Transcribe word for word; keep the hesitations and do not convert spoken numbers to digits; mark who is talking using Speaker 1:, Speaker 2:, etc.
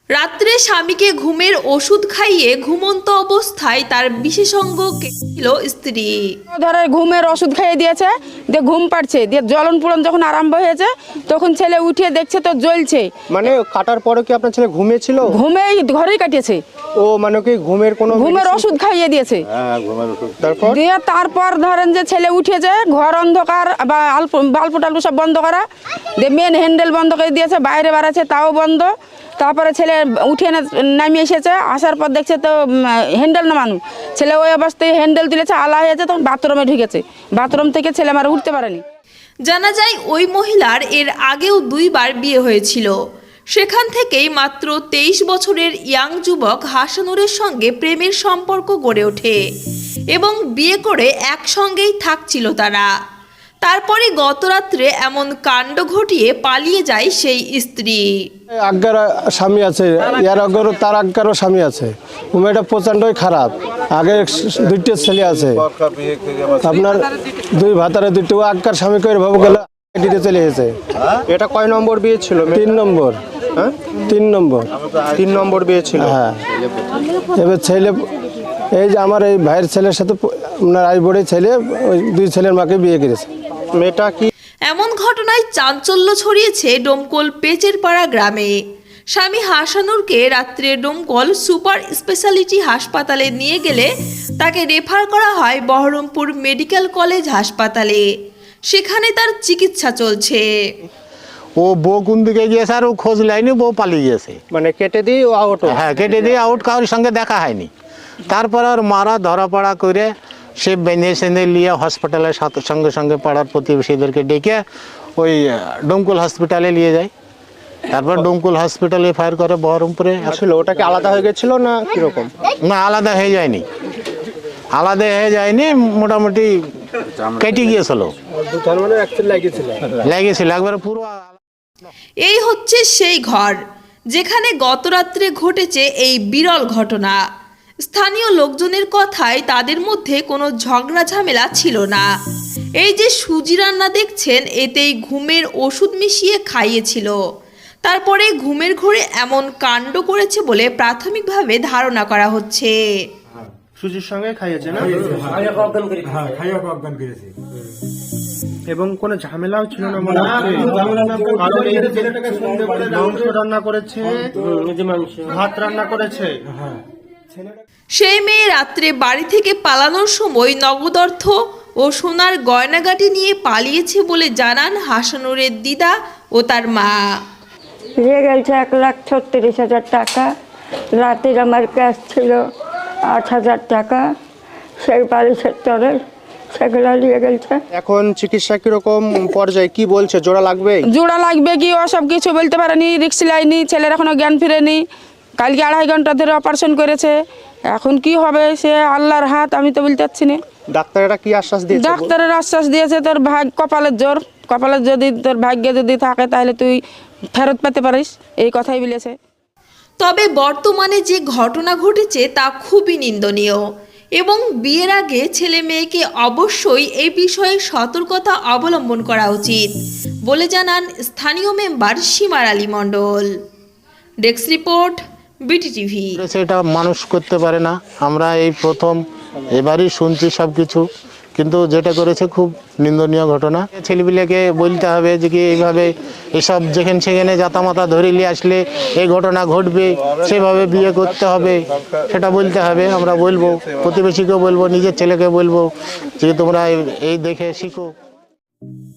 Speaker 1: রাত্রে স্বামীকে ঘুমের ওষুধ খাইয়ে ঘুমন্ত অবস্থায় তার বিশেষজ্ঞ ছিল স্ত্রী।
Speaker 2: ধরে ঘুমের ওষুধ খাইয়ে দিয়েছে, দিয়ে ঘুম পাড়ছে, দিয়ে জ্বলন পুড়ন যখন আরম্ভ হয়েছে তখন ছেলে উঠিয়ে দেখছে তো জ্বলছে।
Speaker 3: মানে কাটার পরে কি আপনার ছেলে ঘুমিয়েছিল?
Speaker 2: ঘুমেই ঘরেই কাটিয়েছে।
Speaker 3: ও মানে কি ঘুমের কোনো
Speaker 2: ঘুমের ওষুধ খাইয়ে দিয়েছে।
Speaker 3: হ্যাঁ ঘুমের ওষুধ। তারপর
Speaker 2: দিয়ে তারপর ধরেন যে ছেলে উঠেছে, ঘর অন্ধকার বা আলপ বাল্প টাল্প সব বন্ধ করা, দিয়ে মেন হ্যান্ডেল বন্ধ করে দিয়েছে, বাইরে বাড়াচ্ছে তাও বন্ধ। তারপরে ছেলে উঠে নামিয়ে এসেছে, আসার পর দেখছে তো হ্যান্ডেল নামানো, ছেলে ওই অবস্থায় হ্যান্ডেল তুলেছে, আলা হয়েছে, তখন বাথরুমে ঢুকেছে। বাথরুম থেকে ছেলে আমার উঠতে পারেনি।
Speaker 1: জানা যায় ওই মহিলার এর আগেও দুইবার বিয়ে হয়েছিল। সেখান থেকেই মাত্র তেইশ বছরের ইয়াং যুবক হাসানুরের সঙ্গে প্রেমের সম্পর্ক গড়ে ওঠে এবং বিয়ে করে একসঙ্গেই থাকছিল তারা। তারপরে গতরাত্রে এমন কাণ্ড ঘটিয়ে পালিয়ে যায় সেই স্ত্রী।
Speaker 4: আজ্ঞার স্বামী আছে, ইয়ার আগেরও তার আজ্ঞারও স্বামী আছে। মেয়েটা প্রচণ্ডই খারাপ। আগে দুইটা ছেলে আছে, আপনার দুই ভাতারে দুইটা আজ্ঞার স্বামী করে ভাবো গেলে দিতে চলে এসেছে।
Speaker 3: এটা কয় নম্বর বিয়ে ছিল?
Speaker 4: তিন নম্বর।
Speaker 3: হ্যাঁ
Speaker 4: তিন নম্বর
Speaker 3: তিন নম্বর বিয়ে ছিল।
Speaker 4: হ্যাঁ, এবার ছেলে এই যে আমার এই ভাইয়ের ছেলের সাথে আপনার আই বড়ে ছেলে ওই দুই ছেলের মাকে বিয়ে করেছে।
Speaker 3: মেয়েটা কি
Speaker 1: এমন ঘটনায় চাঞ্চল্য ছড়িয়েছে ডোমকল পেচেরপাড়া গ্রামে। স্বামী হাসানুরকে রাত্রে ডোমকল সুপার স্পেশালিটি হাসপাতালে নিয়ে গেলে তাকে রেফার করা হয় বহরমপুর মেডিকেল কলেজ হাসপাতালে। সেখানে তার চিকিৎসা চলছে।
Speaker 5: ও বউ কোন দিকে গিয়েছে আর ও খোঁজ লাইনি, বউ পালিয়ে গেছে।
Speaker 3: মানে কেটে দিয়ে ও আউট?
Speaker 5: হ্যাঁ, কেটে দিয়ে আউট, কারোর সঙ্গে দেখা হয়নি। তারপর আর মারা ধরা পড়া করে সে বেঁধে সেঁধে নিয়ে হসপিটালের সাথে সঙ্গে সঙ্গে পাড়ার প্রতিবেশীদেরকে ডেকে ওই ডোমকল হসপিটালে নিয়ে যায়। তারপর ডোমকল হসপিটালে ফায়ার করে বহরমপুরে।
Speaker 3: আসলে ওটা কি আলাদা হয়ে গেছিল না কিরকম?
Speaker 5: না, আলাদা হয়ে যায়নি, আলাদা হয়ে যায়নি, মোটামুটি কেটে গিয়েছিল, লেগেছিল একবারে পুরো।
Speaker 1: এই হচ্ছে সেই ঘর যেখানে গতরাত্রে ঘটেছে এই বিরল ঘটনা। স্থানীয় লোকজনের কথায় তাদের মধ্যে কোনো ঝগড়া ঝামেলা ছিল না। এই যে সুজি রান্না দেখছেন, এতেই ঘুমের ওষুধ মিশিয়ে খাইয়েছিল। তারপরে ঘুমের ঘোরে এমন কাণ্ড করেছে বলে প্রাথমিকভাবে ধারণা করা হচ্ছে।
Speaker 3: সুজির সঙ্গে খাইয়েছে না? এবং কোনো ঝামেলাও ছিল না মনে হচ্ছে? মাংস রান্না করেছে, ভাত রান্না করেছে।
Speaker 1: সেই মেয়ে রাত্রে বাড়ি থেকে পালানোর সময় নগদ অর্থ ও সোনার গয়নাগাটি নিয়ে পালিয়েছে বলে জানান হাসানুরের দিদা ও তার মা।
Speaker 6: নিয়ে গেছে এক লাখ ছত্রিশ হাজার টাকা। রাতের আমার ক্যাশ ছিল আট হাজার টাকা, সেই বাড়ি সেক্টরের, সেগুলো নিয়ে গেছে।
Speaker 3: এখন চিকিৎসা কিরকম পর্যায়ে, কি বলছে? জোড়া লাগবে?
Speaker 2: জোড়া লাগবে কি ও সব কিছু বলতে পারেনি, রিক্স লাইনি, ছেলের এখনো জ্ঞান ফিরেনি। কালকে আড়াই ঘন্টা ধরে অপারেশন করেছে। এখন কি হবে সে আল্লাহর হাত, আমি তো বলতে পারছি না।
Speaker 3: ডাক্তারেরা কি আশ্বাস দিয়েছে?
Speaker 2: ডাক্তারের আশ্বাস দিয়েছে তোর ভাগ কপালের জোর, কপালের যদি তোর ভাগ্যে যদি থাকে তাহলে তুই ফেরত পেতে পারিস, এই কথাই বলেছে।
Speaker 1: তবে বর্তমানে যে ঘটনা ঘটেছে তা খুবই নিন্দনীয় এবং বিয়ের আগে ছেলে মেয়েকে অবশ্যই এই বিষয়ে সতর্কতা অবলম্বন করা উচিত বলে জানান স্থানীয় member Simar Ali Mondal. Desk report, BT TV.
Speaker 5: সেটা মানুষ করতে পারে না, আমরা এই প্রথম এবারই শুনছি সব কিছু, কিন্তু যেটা করেছে খুব নিন্দনীয় ঘটনা। ছেলেপিলেকে বলতে হবে যে কি এইভাবে এসব যেখানে সেখানে জাতামাতা ধরে নিয়ে আসলে এই ঘটনা ঘটবে, সেভাবে বিয়ে করতে হবে, সেটা বলতে হবে। আমরা বলবো, প্রতিবেশীকেও বলবো, নিজের ছেলেকে বলবো যে তোমরা এই দেখে শিখো।